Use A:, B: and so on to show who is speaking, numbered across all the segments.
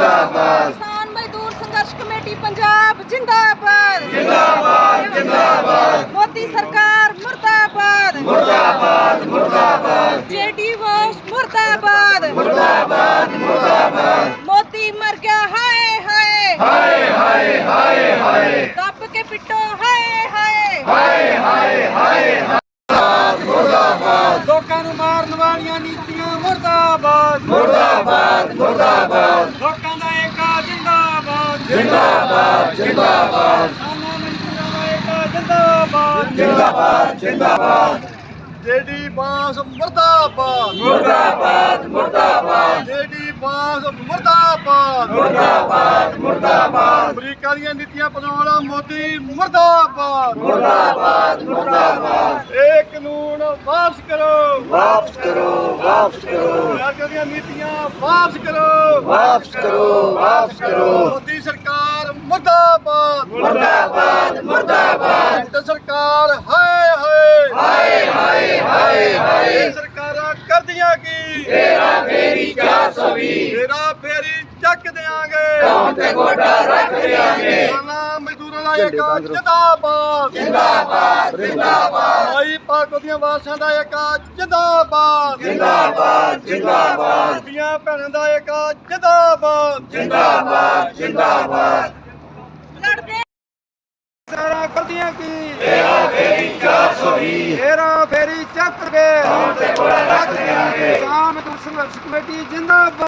A: जिंदाबाद।
B: किसान मजदूर संघर्ष कमेटी पंजाब जिंदाबाद
A: जिंदाबाद जिंदाबाद।
B: मोदी सरकार मुर्दाबाद
A: मुर्दाबाद मुर्दाबाद।
B: जेडी वोश मुर्दाबाद
A: मुर्दाबाद मुर्दाबाद।
B: मोदी मर गया हाय हाय
A: हाय हाय हाय हाय।
B: दब के पिटो हाय हाय
A: हाय हाय हाय हाय। मुर्दाबाद।
C: लोकां नूं मारन वालियां नीतियां मुर्दाबाद
A: मुर्दाबाद मुर्दाबाद।
C: लोकां दा एकता जिंदाबाद
A: जिंदाबाद जिंदाबाद।
C: किसानां मजदूरां दा एकता जिंदाबाद
A: जिंदाबाद जिंदाबाद।
C: जेडी बांस मुर्दाबाद
A: मुर्दाबाद मुर्दाबाद।
C: जेडी बांस मुर्दाबाद
A: मुर्दाबाद मुर्दाबाद।
C: अमरीका ਦੀਆਂ ਨੀਤੀਆਂ ਬਣਾਉਣ ਵਾਲਾ ਮੋਦੀ ਮੁਰਦਾਬਾਦ
A: मुर्दाबाद मुर्दाबाद।
C: ਇਹ ਕਾਨੂੰਨ ਵਾਪਸ ਕਰੋ
A: वापस करो वापस करो
C: ਅਮਰੀਕਾ ਦੀਆਂ ਨੀਤੀਆਂ ਵਾਪਸ ਕਰੋ
A: वापस करो वापस करो।
C: ਮੋਦੀ ਸਰਕਾਰ ਮੁਰਦਾਬਾਦ
A: मुर्दाबाद मुर्दाबाद।
C: ਕੇਂਦਰ ਸਰਕਾਰ ਹਾਏ ਹਾਏ
A: हाय हाय हाय हाय।
C: ਇਹ ਸਰਕਾਰਾਂ ਕਰਦੀਆਂ ਕੀ
A: तेरा फेरी 420।
C: ਤੇਰਾ ਫੇਰੀ ਚੱਕ ਦਿਆਂਗੇ
A: कौन पे गोडा रख देंगे।
C: ਕਿਸਾਨਾਂ ਮਜ਼ਦੂਰਾਂ ਦਾ ਏਕਾ ਜਿੰਦਾਬਾਦ
A: जिंदाबाद जिंदाबाद।
C: ਭਾਈ ਭਾਗੋ ਦੀਆਂ ਵਾਰਸਾਂ ਦਾ ਏਕਾ ਜਿੰਦਾਬਾਦ
A: जिंदाबाद जिंदाबाद।
C: ਦੀਆਂ ਭੈਣਾਂ ਦਾ ਏਕਾ ਜਿੰਦਾਬਾਦ
A: जिंदाबाद जिंदाबाद।
B: लड़ते
C: ਸਾਰਾ ਕਰਦੀਆਂ ਕੀ
A: तेरा फेरी 420।
C: ਤੇਰਾ ਫੇਰੀ ਚੱਕ ਕੇ
A: कौन पे गोडा रख देंगे।
C: ਕਿਸਾਨ ਮਜ਼ਦੂਰ ਸੰਘਰਸ਼ ਕਮੇਟੀ ਜਿੰਦਾਬਾਦ।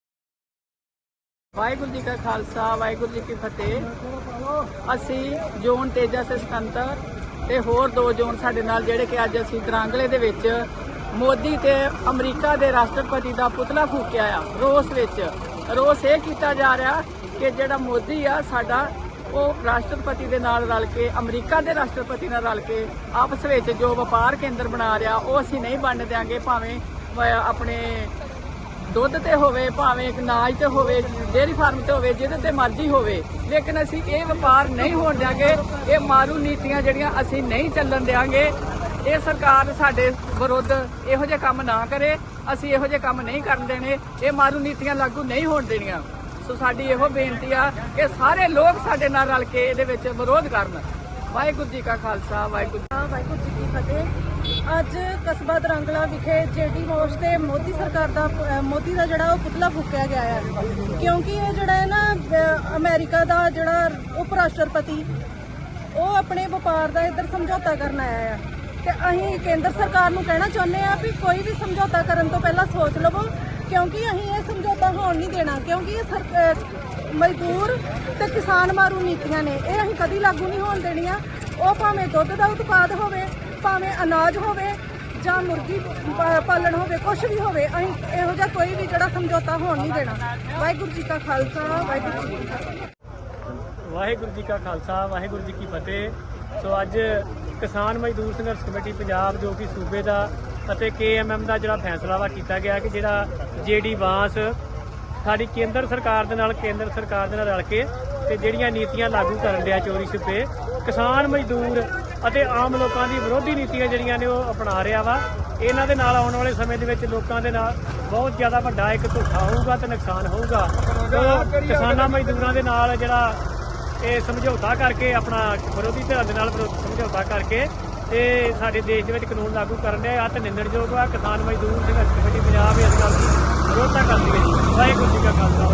D: ਵਾਹਿਗੁਰੂ ਜੀ ਕਾ ਖਾਲਸਾ ਵਾਹਿਗੁਰੂ ਜੀ ਕੀ ਫਤਿਹ। ਅਸੀਂ ਜ਼ੋਨ ਤੇਜਾ ਸੇ ਸੁਤੰਤਰ ਤੇ ਹੋਰ ਦੋ ਜ਼ੋਨ ਸਾਡੇ ਨਾਲ ਜਿਹੜੇ ਕਿ ਅੱਜ ਅਸੀਂ ਦਰਾਂਗਲੇ ਦੇ ਵਿੱਚ ਮੋਦੀ ਤੇ ਅਮਰੀਕਾ ਦੇ ਰਾਸ਼ਟਰਪਤੀ ਦਾ ਪੁਤਲਾ ਫੂਕਿਆ ਆ ਰੋਸ ਵਿੱਚ। ਰੋਸ ਇਹ ਕੀਤਾ ਜਾ ਰਿਹਾ ਕਿ ਜਿਹੜਾ ਮੋਦੀ ਆ ਸਾਡਾ ਉਹ ਰਾਸ਼ਟਰਪਤੀ ਦੇ ਨਾਲ ਰਲ ਕੇ ਅਮਰੀਕਾ ਦੇ ਰਾਸ਼ਟਰਪਤੀ ਨਾਲ ਰਲ ਕੇ ਆਪਸ ਵਿੱਚ ਜੋ ਵਪਾਰ ਕੇਂਦਰ ਬਣਾ ਰਿਹਾ ਉਹ ਅਸੀਂ ਨਹੀਂ ਬਣਨ ਦਿਆਂਗੇ, ਭਾਵੇਂ ਆਪਣੇ ਦੁੱਧ ਤੇ ਹੋਵੇ, ਭਾਵੇਂ ਅਨਾਜ ਤੇ ਹੋਵੇ, ਡੇਅਰੀ ਫਾਰਮ ਤੇ ਹੋਵੇ, ਜਿਹਦੇ ਤੇ ਮਰਜ਼ੀ ਹੋਵੇ, ਲੇਕਿਨ ਅਸੀਂ ਇਹ ਵਪਾਰ ਨਹੀਂ ਹੋਣ ਦਿਆਂਗੇ। ਇਹ ਮਾਰੂ ਨੀਤੀਆਂ ਜਿਹੜੀਆਂ ਅਸੀਂ ਨਹੀਂ ਚੱਲਣ ਦਿਆਂਗੇ। ਇਹ ਸਰਕਾਰ ਸਾਡੇ ਵਿਰੁੱਧ ਇਹੋ ਜਿਹੇ ਕੰਮ ਨਾ ਕਰੇ, ਅਸੀਂ ਇਹੋ ਜਿਹੇ ਕੰਮ ਨਹੀਂ ਕਰਨ ਦੇਣੇ। ਇਹ ਮਾਰੂ ਨੀਤੀਆਂ ਲਾਗੂ ਨਹੀਂ ਹੋਣ ਦੇਣੀਆਂ। ਸੋ ਸਾਡੀ ਇਹੋ ਬੇਨਤੀ ਆ ਕਿ ਸਾਰੇ ਲੋਕ ਸਾਡੇ ਨਾਲ ਰਲ ਕੇ ਇਹਦੇ ਵਿੱਚ ਵਿਰੋਧ ਕਰਨ। ਵਾਹਿਗੁਰੂ ਜੀ ਕਾ ਖਾਲਸਾ
B: ਵਾਹਿਗੁਰੂ ਜੀ ਕੀ ਫਤਿਹ। ਅੱਜ ਕਸਬਾ ਦਰਾਂਗਲਾ ਵਿਖੇ ਜੇਡੀ ਵੋਸ਼ ਤੇ ਮੋਦੀ ਸਰਕਾਰ ਦਾ ਮੋਦੀ ਦਾ ਜਿਹੜਾ ਉਹ ਪੁਤਲਾ ਫੂਕਿਆ ਗਿਆ ਹੈ, ਕਿਉਂਕਿ ਇਹ ਜਿਹੜਾ ਹੈ ਨਾ ਅਮਰੀਕਾ ਦਾ ਜਿਹੜਾ ਉਪ ਰਾਸ਼ਟਰਪਤੀ ਉਹ ਆਪਣੇ ਵਪਾਰ ਦਾ ਇੱਧਰ ਸਮਝੌਤਾ ਕਰਨ ਆਇਆ ਹੈ ਤੇ ਅਸੀਂ ਕੇਂਦਰ ਸਰਕਾਰ ਨੂੰ ਕਹਿਣਾ ਚਾਹੁੰਦੇ ਆ ਵੀ ਕੋਈ ਵੀ ਸਮਝੌਤਾ ਕਰਨ ਤੋਂ ਪਹਿਲਾਂ ਸੋਚ ਲਵੋ, ਕਿਉਂਕਿ ਅਸੀਂ ਇਹ ਸਮਝੌਤਾ ਹੋਣ ਨਹੀਂ ਦੇਣਾ। ਕਿਉਂਕਿ ਇਹ ਮਜ਼ਦੂਰ ਤੇ ਕਿਸਾਨ ਮਾਰੂ ਨੀਤੀਆਂ ਨੇ, ਇਹ ਅਸੀਂ ਕਦੀ ਲਾਗੂ ਨਹੀਂ ਹੋਣ ਦੇਣੀਆਂ। ਉਹ ਭਾਵੇਂ ਦੁੱਧ ਦਾ ਉਤਪਾਦ ਹੋਵੇ, ਭਾਵੇਂ ਅਨਾਜ ਹੋਵੇ ਜਾਂ ਮੁਰਗੀ ਪਾਲਣ ਹੋਵੇ, ਕੁਝ ਵੀ ਹੋਵੇ, ਅਸੀਂ ਇਹੋ ਜਿਹਾ ਕੋਈ ਵੀ ਜਿਹੜਾ ਸਮਝੌਤਾ ਹੋਣ ਨਹੀਂ ਦੇਣਾ। ਵਾਹਿਗੁਰੂ ਜੀ ਕਾ ਖਾਲਸਾ ਵਾਹਿਗੁਰੂ ਜੀ ਕੀ ਫਤਿਹ।
E: ਵਾਹਿਗੁਰੂ ਜੀ ਕਾ ਖਾਲਸਾ ਵਾਹਿਗੁਰੂ ਜੀ ਕੀ ਫਤਿਹ। ਸੋ ਅੱਜ ਕਿਸਾਨ ਮਜ਼ਦੂਰ ਸੰਘਰਸ਼ ਕਮੇਟੀ ਪੰਜਾਬ ਜੋ ਕਿ ਸੂਬੇ ਦਾ ਅਤੇ KMM ਦਾ ਜਿਹੜਾ ਫੈਸਲਾ ਵਾ ਕੀਤਾ ਗਿਆ ਕਿ ਜਿਹੜਾ JD ਵਾਂਸ ਸਾਡੀ ਕੇਂਦਰ ਸਰਕਾਰ ਦੇ ਨਾਲ ਰਲ ਕੇ ਤੇ ਜਿਹੜੀਆਂ ਨੀਤੀਆਂ ਲਾਗੂ ਕਰਨ ਡਿਆ ਚੋਰੀ ਛਿਪੇ ਕਿਸਾਨ ਮਜ਼ਦੂਰ ਅਤੇ ਆਮ ਲੋਕਾਂ ਦੀ ਵਿਰੋਧੀ ਨੀਤੀਆਂ ਜਿਹੜੀਆਂ ਨੇ ਉਹ ਅਪਣਾ ਰਿਹਾ ਵਾ। ਇਹਨਾਂ ਦੇ ਨਾਲ ਆਉਣ ਵਾਲੇ ਸਮੇਂ ਦੇ ਵਿੱਚ ਲੋਕਾਂ ਦੇ ਨਾਲ ਬਹੁਤ ਜ਼ਿਆਦਾ ਵੱਡਾ ਇੱਕ ਧੋਖਾ ਹੋਊਗਾ ਤੇ ਨੁਕਸਾਨ ਹੋਊਗਾ। ਸੋ ਕਿਸਾਨਾਂ ਮਜ਼ਦੂਰਾਂ ਦੇ ਨਾਲ ਜਿਹੜਾ ਇਹ ਸਮਝੌਤਾ ਕਰਕੇ ਆਪਣਾ ਵਿਰੋਧੀ ਧਿਰਾਂ ਦੇ ਨਾਲ ਸਮਝੌਤਾ ਕਰਕੇ ਤੇ ਸਾਡੇ ਦੇਸ਼ ਦੇ ਵਿੱਚ ਕਾਨੂੰਨ ਲਾਗੂ ਕਰਨ ਦੇ ਆ ਤੇ ਨਿੰਦਣਯੋਗ ਆ। ਕਿਸਾਨ ਮਜ਼ਦੂਰ ਸੰਘਰਸ਼ ਕਮੇਟੀ ਪੰਜਾਬ ਇਸ ਗੱਲ ਦੀ ਵਿਰੋਧਤਾ ਕਰਦੀ ਹੈ ਜੀ। ਵਾਹਿਗੁਰੂ ਜੀ ਕਾ ਖਾਲਸਾ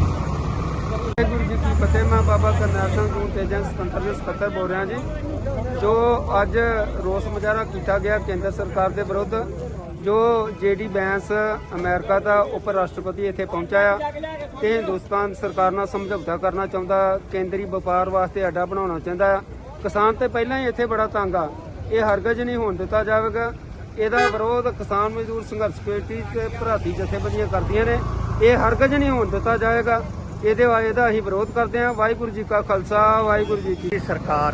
C: ਵਾਹਿਗੁਰੂ ਜੀ ਕੀ ਫਤਿਹ। ਮੈਂ ਬਾਬਾ ਕਰਨੈਲ ਸਿੰਘ ਜ਼ੋਨ ਤੇਜਾ ਸੁਤੰਤਰ ਦੇ ਸਕੱਤਰ ਬੋਲ ਰਿਹਾ ਜੀ। ਜੋ ਅੱਜ ਰੋਸ ਮੁਜ਼ਾਹਰਾ ਕੀਤਾ ਗਿਆ ਕੇਂਦਰ ਸਰਕਾਰ ਦੇ ਵਿਰੁੱਧ, ਜੋ JD ਵਾਂਸ ਅਮਰੀਕਾ ਦਾ ਉਪ ਰਾਸ਼ਟਰਪਤੀ ਇੱਥੇ ਪਹੁੰਚਾ ਆ ਤੇ ਹਿੰਦੁਸਤਾਨ ਸਰਕਾਰ ਨਾਲ ਸਮਝੌਤਾ ਕਰਨਾ ਚਾਹੁੰਦਾ, ਕੇਂਦਰੀ ਵਪਾਰ ਵਾਸਤੇ ਅੱਡਾ ਬਣਾਉਣਾ ਚਾਹੁੰਦਾ ਆ। ਕਿਸਾਨ ਤੇ ਪਹਿਲਾਂ ਹੀ ਇੱਥੇ ਬੜਾ ਤੰਗ ਆ, ਇਹ ਹਰਗਜ਼ ਨਹੀਂ ਹੋਣ ਦਿੱਤਾ ਜਾਵੇਗਾ। ਇਹਦਾ ਵਿਰੋਧ ਕਿਸਾਨ ਮਜ਼ਦੂਰ ਸੰਘਰਸ਼ ਕਮੇਟੀ ਤੇ ਭਰਾਤੀ ਜਥੇਬੰਦੀਆਂ ਕਰਦੀਆਂ ਨੇ, ਇਹ ਹਰਗਜ਼ ਨਹੀਂ ਹੋਣ ਦਿੱਤਾ ਜਾਏਗਾ। ਇਹਦਾ ਅਸੀਂ ਵਿਰੋਧ ਕਰਦੇ ਹਾਂ। ਵਾਹਿਗੁਰੂ ਜੀ ਕਾ ਖਾਲਸਾ ਵਾਹਿਗੁਰੂ ਜੀ ਕੀ
F: ਸਰਕਾਰ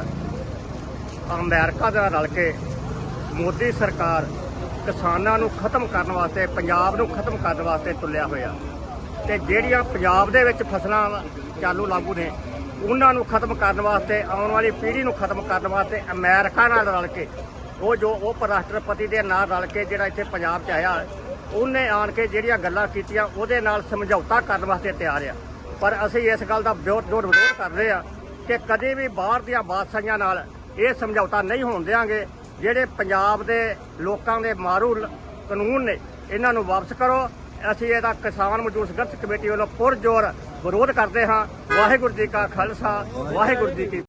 F: ਅਮਰੀਕਾ ਦੇ ਨਾਲ ਰਲ ਕੇ ਮੋਦੀ ਸਰਕਾਰ ਕਿਸਾਨਾਂ ਨੂੰ ਖਤਮ ਕਰਨ ਵਾਸਤੇ, ਪੰਜਾਬ ਨੂੰ ਖਤਮ ਕਰਨ ਵਾਸਤੇ ਤੁਲਿਆ ਹੋਇਆ ਤੇ ਜਿਹੜੀਆਂ ਪੰਜਾਬ ਦੇ ਵਿੱਚ ਫਸਲਾਂ ਚਾਲੂ ਲਾਗੂ ਨੇ ਉਹਨਾਂ ਨੂੰ ਖਤਮ ਕਰਨ ਵਾਸਤੇ, ਆਉਣ ਵਾਲੀ ਪੀੜ੍ਹੀ ਨੂੰ ਖਤਮ ਕਰਨ ਵਾਸਤੇ ਅਮਰੀਕਾ ਨਾਲ ਰਲ ਕੇ ਉਹ ਜੋ ਉਪ ਰਾਸ਼ਟਰਪਤੀ ਦੇ ਨਾਲ ਰਲ ਕੇ ਜਿਹੜਾ ਇੱਥੇ ਪੰਜਾਬ 'ਚ ਆਇਆ, ਉਹਨੇ ਆਣ ਕੇ ਜਿਹੜੀਆਂ ਗੱਲਾਂ ਕੀਤੀਆਂ ਉਹਦੇ ਨਾਲ ਸਮਝੌਤਾ ਕਰਨ ਵਾਸਤੇ ਤਿਆਰ ਆ। ਪਰ ਅਸੀਂ ਇਸ ਗੱਲ ਦਾ ਵਿਰੋਧ ਕਰਦੇ ਆ ਕਿ ਕਦੇ ਵੀ ਬਾਹਰ ਦੀਆਂ ਬਾਦਸ਼ਾਹੀਆਂ ਨਾਲ ਇਹ ਸਮਝੌਤਾ ਨਹੀਂ ਹੋਣ ਦਿਆਂਗੇ। ਜਿਹੜੇ ਪੰਜਾਬ ਦੇ ਲੋਕਾਂ ਦੇ ਮਾਰੂ ਕਾਨੂੰਨ ਨੇ ਇਹਨਾਂ ਨੂੰ ਵਾਪਸ ਕਰੋ। ਅਸੀਂ ਇਹਦਾ ਕਿਸਾਨ ਮਜ਼ਦੂਰ ਸੰਘਰਸ਼ ਕਮੇਟੀ ਵੱਲੋਂ ਪੁਰਜ਼ੋਰ ਵਿਰੋਧ ਕਰਦੇ ਹਾਂ। ਵਾਹਿਗੁਰੂ ਜੀ ਕਾ ਖਾਲਸਾ, ਵਾਹਿਗੁਰੂ ਜੀ ਕੀ